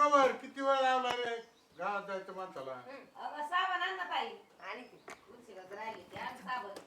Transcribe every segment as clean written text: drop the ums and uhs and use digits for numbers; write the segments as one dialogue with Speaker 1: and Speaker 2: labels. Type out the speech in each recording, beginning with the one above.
Speaker 1: Cover किती वेळ लावला रे गावात जायचं माणसाला.
Speaker 2: अगं साबण आण ना ताई. आणि ती उशिराच राहिली ती आण साबण.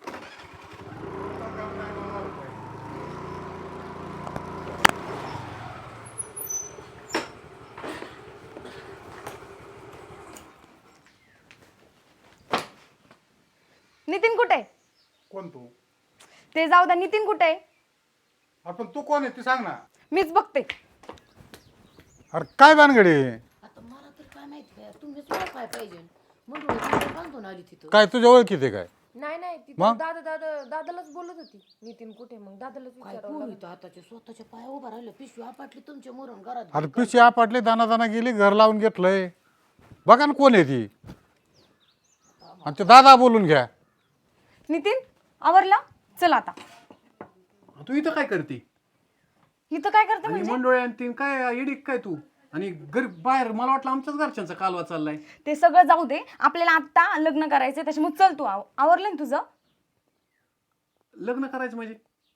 Speaker 3: नितीन कुठे आहे?
Speaker 1: कोण तू?
Speaker 3: ते जाऊ द्या. नितीन कुठे आहे?
Speaker 1: आपण तू कोण आहे ती सांग ना.
Speaker 3: मीच बघते.
Speaker 1: अरे काय भानगडी?
Speaker 2: आता मला तर काय माहिती काय तुम्हीच काय पाहिजे म्हणून बांधून आली तिथं.
Speaker 1: काय तुझ्या ओळखीत आहे काय?
Speaker 3: नाही ती
Speaker 1: मग?
Speaker 3: दादालाच बोलत होती. नितीन कुठे? मग दादालाच
Speaker 2: काय
Speaker 3: विचारावं
Speaker 2: पोरी तर आताच्या स्वतःच्या पाया उभा राहिले पिशवी आपटली तुमच्या मोरून घरात.
Speaker 1: अरे पिशी आपटले दाना दाना गेली घर लावून घेतलंय. बघा ना कोण आहे ती. आणि ते दादा बोलून घ्या.
Speaker 3: नितीन आवरला? चल आता.
Speaker 4: तू इथं काय करते?
Speaker 3: इथं काय करते
Speaker 4: आणि
Speaker 3: म्हणजे?
Speaker 4: मंडोळ्या आणि तीन काय येडी काय तू? आणि घर बाहेर मला वाटलं आमच्याच घरच्यांचा कालवा चाललाय.
Speaker 3: ते सगळं जाऊ दे. आपल्याला आता लग्न करायचंय त्याच्यामुळे चल तू. आवरलं ना तुझं?
Speaker 4: लग्न करायचं म्हणजे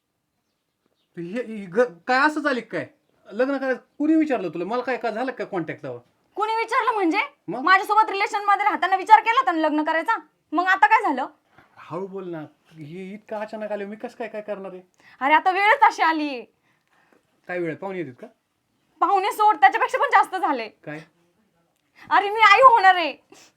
Speaker 4: काय असं झालं काय? लग्न करायचं कुणी विचारलं तुला? मला काय झालं काय कॉन्टॅक्ट जावं?
Speaker 3: कोणी विचारलं म्हणजे?
Speaker 4: मग?
Speaker 3: माझ्यासोबत रिलेशन मध्ये राहताना विचार केला होता ना लग्न करायचा. मग आता काय झालं?
Speaker 4: हळू बोल ना. हे इतकं अचानक आले मी कसं काय करणार आहे?
Speaker 3: अरे आता वेळच अशी आली.
Speaker 4: काय वेळ पाहुणे येतात का?
Speaker 3: पाहुणे सोड, त्याच्यापेक्षा पण जास्त झाले.
Speaker 4: काय?
Speaker 3: अरे मी आई होणार आहे.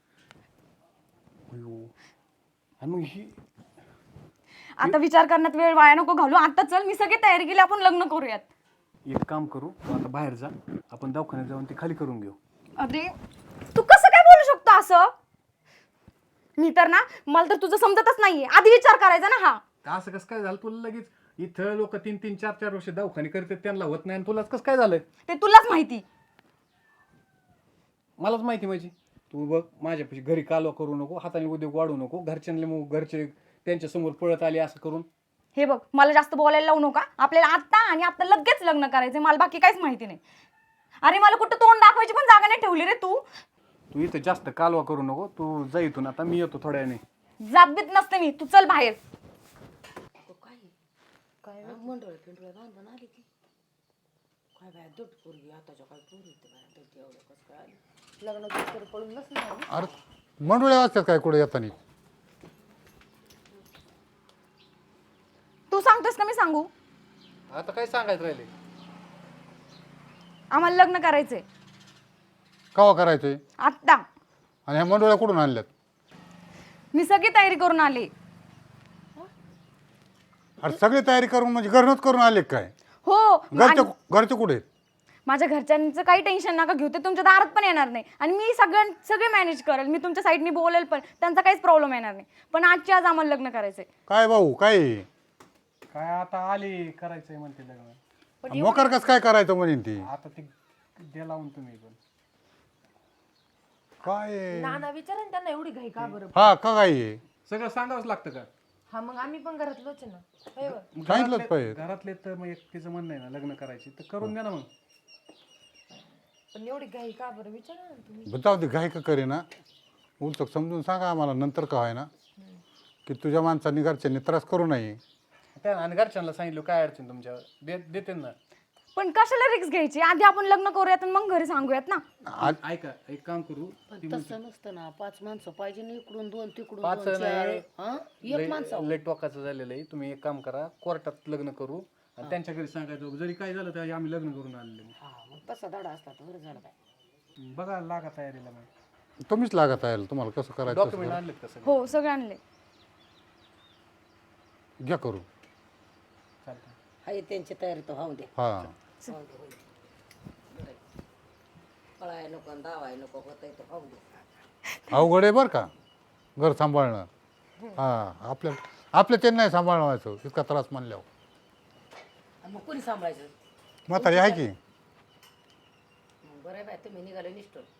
Speaker 4: अयो. आणि मग ही
Speaker 3: आता विचार करण्यात वेळ वाया नको घालू. आता चल, मी सगळी तयारी केली, आपण लग्न करूयात.
Speaker 4: एक काम करू, तू आता बाहेर जा, आपण दवाखान्यात जाऊन ती खाली करून घेऊ.
Speaker 3: अरे तू कसं काय बोलू शकतो असं? मी तर ना, मला तर तुझं समजतच नाहीये. आधी विचार करायचा ना. हा
Speaker 4: असं कसं काय झालं तुला? लगेच इथं लोक 3-3, 4-4 वर्ष दवाखाने करतात, त्यांना होत नाही, आणि तुलाच कसं काय झालं?
Speaker 3: ते तुलाच माहिती.
Speaker 4: मलाच माहिती म्हणजे. तू बघ माझ्यापाशी घरी कालवा करू नको, हाताने उद्योग वाढू नको, घरच्यांना मग घरचे त्यांच्या समोर पळत आले असं करून.
Speaker 3: हे बघ, मला जास्त बोलायला लावू नका. आपल्याला आता आणि आता लगेच लग्न करायचंय. मला बाकी काहीच माहिती नाही. अरे मला कुठं तोंड दाखवायची पण जागा नाही ठेवली रे तू.
Speaker 4: तू इथं जास्त कालवा करू नको. तू जा इथून, आता मी येतो थोड्या वेळाने.
Speaker 3: जात बीत नसते मी. तू चल बाहेर.
Speaker 2: काय मंडळ पिंडळ बांधून आली ती. काय बाय दट पोरगी आताच्या काय पोरी ते बाय दट एवढं कसं काय आली. लग्नाची तर पळून नसणार.
Speaker 1: अरे मंडोळ्या वाजतात काय कुठे येताना?
Speaker 3: तू सांगतोस का मी सांगू?
Speaker 4: आता काय सांगायचं राहिले?
Speaker 3: आम्हाला लग्न करायचंय
Speaker 1: कवा करायचंय?
Speaker 3: आत्ता.
Speaker 1: आणि ह्या मंडोळ्या कुठून आणल्यात?
Speaker 3: मी सगळी तयारी करून आले.
Speaker 1: अरे सगळी तयारी करून म्हणजे घरनच करून आले काय?
Speaker 3: हो.
Speaker 1: घरचे कुठे आहेत?
Speaker 3: माझ्या घरच्यांचं काही टेन्शन नका घेऊ. ते तुमच्या दारात पण येणार नाही. आणि मी सगळे मॅनेज करेल. मी तुमच्या साईडनी बोलेल पण. त्यांचा काहीच प्रॉब्लेम येणार नाही. पण आजच्या आज आम्हाला लग्न करायचंय.
Speaker 1: काय भाऊ काय?
Speaker 4: काय आता आली करायचंय म्हणते लग्न.
Speaker 1: मोकर कस काय करायचं म्हणेन ती?
Speaker 4: आता ते द्या लावून तुम्ही पण.
Speaker 1: काय
Speaker 3: नाना विचारा त्यांना एवढी घाई का बरं?
Speaker 1: हा का काय?
Speaker 4: सगळं सांगावंच लागतं का?
Speaker 3: हा मग आम्ही पण घरातलोच आहे ना.
Speaker 1: सांगितलंच पाहिजे.
Speaker 4: घरातले तर मग एकटीचं म्हणणं आहे ना लग्न करायची, तर करून द्या ना मग.
Speaker 3: पण एवढी घाई का बरं विचारा ना तुम्ही.
Speaker 1: जाऊ दे घाई का करे ना. उलट समजून सांगा आम्हाला नंतर का आहे ना की तुझ्या माणसांनी घरच्यांनी त्रास करू नये.
Speaker 4: त्या आणि घरच्यांना सांगितलं काय अडचण तुमच्या देते ना.
Speaker 3: पण कशाला रिक्स घ्यायची? आधी आपण लग्न करूयात आणि मग घरी सांगूयात ना.
Speaker 4: ऐका, एक काम करू.
Speaker 2: पण तसं नसतं ना. 5 माणसं पाहिजे ना, इकडून 2 तिकडून
Speaker 4: 5
Speaker 2: 2 4. हा एक माणसं.
Speaker 4: लेट टोकाचं झालेलं आहे. तुम्ही एक काम करा, कोर्टात लग्न करू आणि त्यांच्या घरी सांगायचं जरी काय झालं तरी आम्ही लग्न करून आलेलो.
Speaker 2: हा मग तसा धडा असला तर बरं झालं बाय.
Speaker 4: बघा लागा तयारीला. मग
Speaker 1: तुम्हीच लागत आहे तुम्हाला कसं करायचं
Speaker 4: डॉक्युमेंट आणलेत का सगळे?
Speaker 3: हो सगळे आणले.
Speaker 1: घ्या करू.
Speaker 4: चालतं.
Speaker 2: हाय त्यांची तयारी तर होऊ दे.
Speaker 1: हा
Speaker 2: होऊ दे, होऊ दे. पळाय नको आणि धावाय नको होतंय तर होऊ दे.
Speaker 1: अवघड आहे बरं का घर सांभाळणं. हा आपल्या ते नाही सांभाळवायचं इतका त्रास मानल्यावर.
Speaker 2: आणि मग कोणी सांभाळायचं?
Speaker 1: म्हातारी आहे की.
Speaker 2: बरं आहे बाय तुम्ही निघाले निष्ठून.